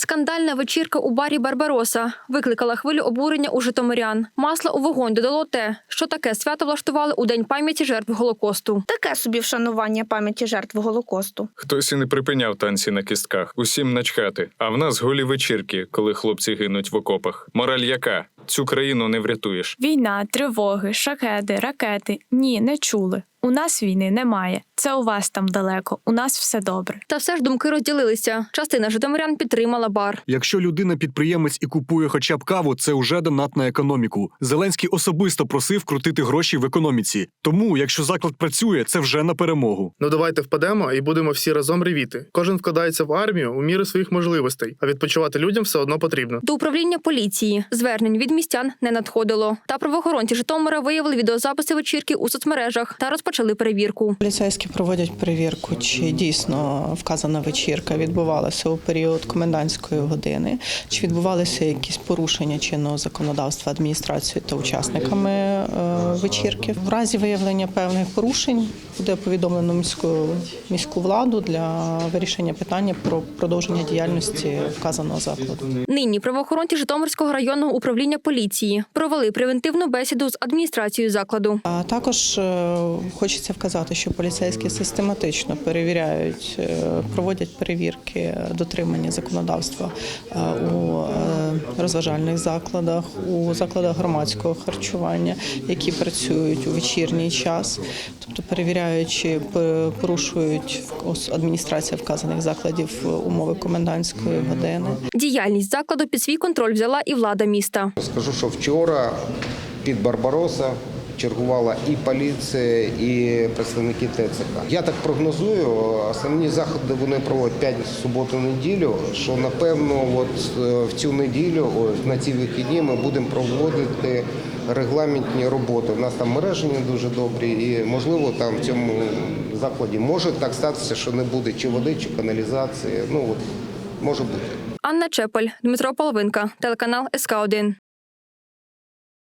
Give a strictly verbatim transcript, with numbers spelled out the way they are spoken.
Скандальна вечірка у барі «Барбароса» викликала хвилю обурення у житомирян. Масла у вогонь додало те, що таке свято влаштували у День пам'яті жертв Голокосту. Таке собі вшанування пам'яті жертв Голокосту. Хтось і не припиняв танці на кістках, усім начхати. А в нас голі вечірки, коли хлопці гинуть в окопах. Мораль яка? Цю країну не врятуєш. Війна, тривоги, шахеди, ракети. Ні, не чули. У нас війни немає. Це у вас там далеко. У нас все добре. Та все ж думки розділилися. Частина житомирян підтримала бар. Якщо людина-підприємець і купує хоча б каву, це вже донат на економіку. Зеленський особисто просив крутити гроші в економіці. Тому, якщо заклад працює, це вже на перемогу. Ну давайте впадемо і будемо всі разом ревіти. Кожен вкладається в армію у міру своїх можливостей, а відпочивати людям все одно потрібно. До управління поліції звернень від містян не надходило. Та правоохоронці Житомира виявили відеозаписи вечірки у соцмережах та розпочали перевірку. Поліцейські проводять перевірку, чи дійсно вказана вечірка відбувалася у період комендантської години, чи відбувалися якісь порушення чинного законодавства адміністрацією та учасниками е, вечірки. В разі виявлення певних порушень буде повідомлено міську, міську владу для вирішення питання про продовження діяльності вказаного закладу. Нині правоохоронці Житомирського районного управління поліції провели превентивну бесіду з адміністрацією закладу. А також е, хочеться вказати, що поліцейські систематично перевіряють, е, проводять перевірки дотримання законодавства е, у е, розважальних закладах, у закладах громадського харчування, які працюють у вечірній час, тобто перевіряючи, порушують адміністрація вказаних закладів умови комендантської години. Діяльність закладу під свій контроль взяла і влада міста. Скажу, що вчора під Барбароса чергувала і поліція, і представники ТЦК. Я так прогнозую, основні заходи вони проводять п'ятницю, суботу, неділю, що напевно от в цю неділю, на ці вихідні ми будемо проводити регламентні роботи. У нас там мережі не дуже добрі і, можливо, там в цьому закладі може так статися, що не буде чи води, чи каналізації. Ну, от, може бути. Анна Чепель, Дмитро Половинка, телеканал ес ка один.